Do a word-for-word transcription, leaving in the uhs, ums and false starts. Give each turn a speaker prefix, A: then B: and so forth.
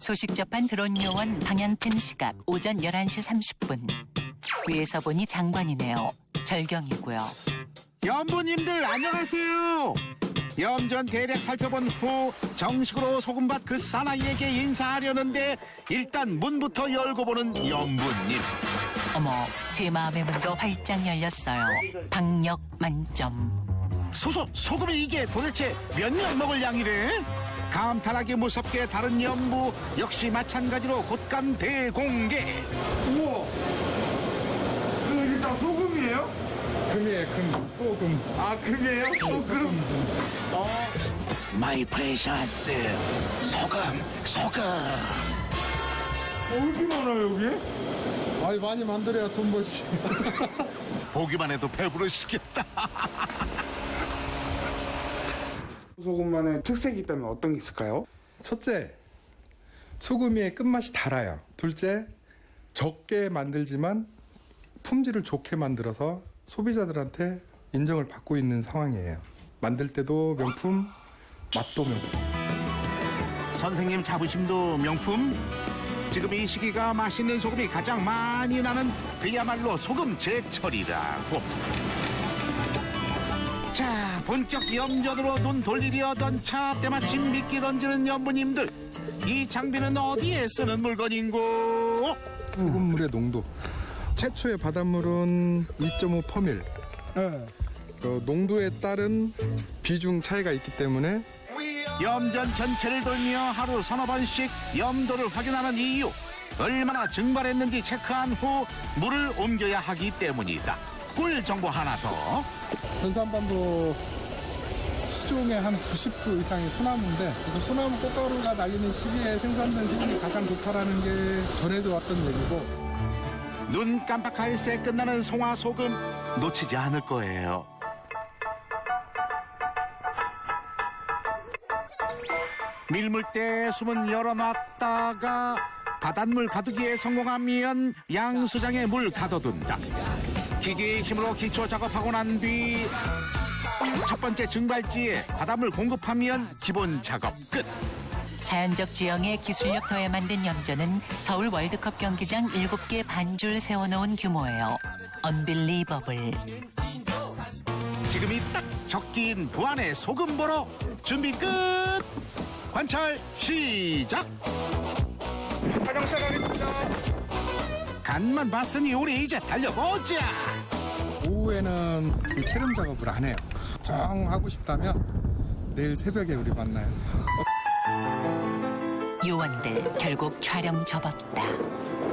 A: 소식 접한 드론 요원 방향튼 시각 오전 열한 시 삼십 분. 위에서 보니 장관이네요. 절경이고요.
B: 염부님들 안녕하세요. 염전 대략 살펴본 후 정식으로 소금밭 그 사나이에게 인사하려는데 일단 문부터 열고 보는 염부님.
A: 어머, 제 마음의 문도 활짝 열렸어요. 박력 만점.
B: 소소 소금이 이게 도대체 몇 명 먹을 양이래? 감탄하기 무섭게 다른 염부 역시 마찬가지로 곳간 대공개.
C: 우와! 그 이게 다 소금이에요?
D: 금이에요, 금. 소금.
C: 아, 금이에요? 소금? 아,
B: 마이 프레셔스 소금 소금.
C: 어, 왜 이렇게 많아요, 여기?
D: 아니, 많이 만들어야 돈 벌지.
B: 보기만 해도 배부르시겠다.
C: 소금만의 특색이 있다면 어떤 게 있을까요?
D: 첫째, 소금의 끝맛이 달아요. 둘째, 적게 만들지만 품질을 좋게 만들어서 소비자들한테 인정을 받고 있는 상황이에요. 만들 때도 명품, 맛도 명품.
B: 선생님 자부심도 명품. 지금 이 시기가 맛있는 소금이 가장 많이 나는 그야말로 소금 제철이라고. 자, 본격 염전으로 눈 돌리려던 차 때마침 미끼 던지는 염부님들. 이 장비는 어디에 쓰는 물건인고?
D: 소금물의 농도. 최초의 바닷물은 이 점 오 퍼밀.
C: 네.
D: 그 농도에 따른 비중 차이가 있기 때문에
B: 염전 전체를 돌며 하루 서너 번씩 염도를 확인하는 이유. 얼마나 증발했는지 체크한 후 물을 옮겨야 하기 때문이다. 꿀 정보 하나 더.
D: 전산반도 수종의 한 구십 퍼센트 이상이 소나무인데, 그래서 소나무 꽃가루가 날리는 시기에 생산된 소금이 가장 좋다라는 게 전해져 왔던 얘기고.
B: 눈 깜빡할 새 끝나는 송화 소금 놓치지 않을 거예요. 밀물대에 숨은 열어놨다가 바닷물 가두기에 성공하면 양수장에 물 가둬둔다. 기계의 힘으로 기초 작업하고 난 뒤 첫 번째 증발지에 바닷물 공급하면 기본 작업 끝.
A: 자연적 지형에 기술력 더해 만든 염전은 서울 월드컵 경기장 일곱 개 반줄 세워놓은 규모예요. 언빌리버블.
B: 지금이 딱 적기인 부안의 소금 보러 준비 끝. 관찰 시작.
C: 촬영 시작하겠습니다.
B: 간만 봤으니 우리 이제 달려보자.
D: 오후에는 이 체름 작업을 안 해요. 정 하고 싶다면 내일 새벽에 우리 만나요.
A: 요원들 결국 촬영 접었다.